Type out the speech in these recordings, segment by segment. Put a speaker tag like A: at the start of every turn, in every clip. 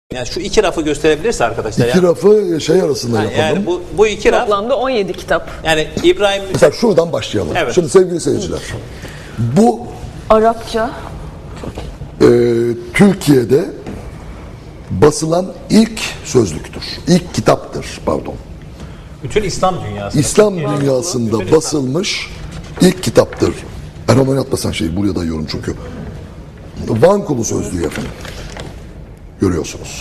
A: Yani şu iki rafı gösterebilirse arkadaşlar.
B: İki rafı şey arasında yapalım.
A: Yani bu iki raf.
C: Toplamda 17 kitap.
A: Yani İbrahim
B: Mesela şuradan başlayalım.
A: Evet.
B: Şimdi sevgili seyirciler, bu
C: Arapça.
B: Türkiye'de basılan ilk sözlüktür. İlk kitaptır, pardon.
A: bütün İslam dünyası.
B: İslam dünyasında basılmış ilk kitaptır. Erhan oynatmasan şeyi buraya dayıyorum çünkü. Van Kulu sözlüğü efendim. Görüyorsunuz.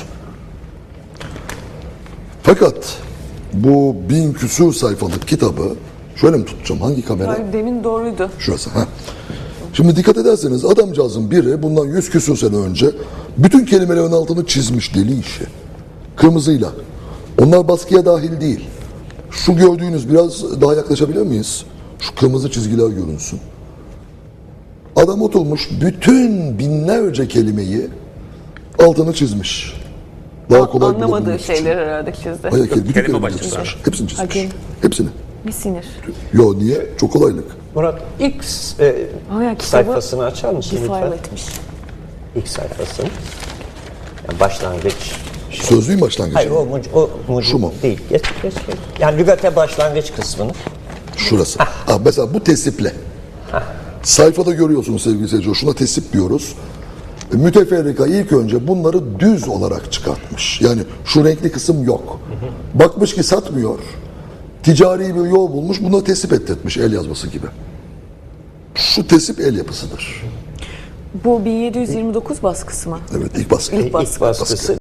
B: Fakat bu 1000 küsur sayfalık kitabı şöyle mi tutacağım? Hangi kamera?
C: Ay, demin doğruydu.
B: Şurası. Ha. Şimdi dikkat ederseniz adamcağızın biri bundan 100 küsur sene önce bütün kelimelerin altını çizmiş, deli işi. Kırmızıyla. Onlar baskıya dahil değil. Şu gördüğünüz, biraz daha yaklaşabilir miyiz? Şu kırmızı çizgiler görünsün. Adam oturmuş bütün binlerce kelimeyi altını çizmiş. Daha kolay
C: Anlamadığı
B: bulabilmek için.
C: şeyler herhalde çizdi.
B: Hayır, bütün
A: Kelime
B: kelimeleri
A: başlıkları.
B: çizmiş. Hepsini çizmiş.
C: Hakim.
B: Hepsini.
C: Bir sinir.
B: Yo niye? Çok kolaylık.
D: Murat ilk
C: Ama kitabı
D: sayfasını açar mısın
C: defile
D: lütfen?
C: etmiş.
D: İlk sayfasını. Yani başlangıç.
B: Sözlüğün başlangıcı.
D: Hayır o mucit
B: Şu mu?
D: değil. Geç. Yani lügate başlangıç kısmını.
B: Şurası. Mesela bu tesiple. Sayfada görüyorsunuz sevgili seyirciler. Şuna tesip diyoruz. Müteferrika ilk önce bunları düz olarak çıkartmış. Yani şu renkli kısım yok. Bakmış ki satmıyor. Ticari bir yol bulmuş. Buna tesip ettirmiş el yazması gibi. Şu tesip el yapısıdır.
C: Bu 1729 baskısı mı?
B: Evet ilk baskı.
C: İlk baskı.
D: İlk baskısı.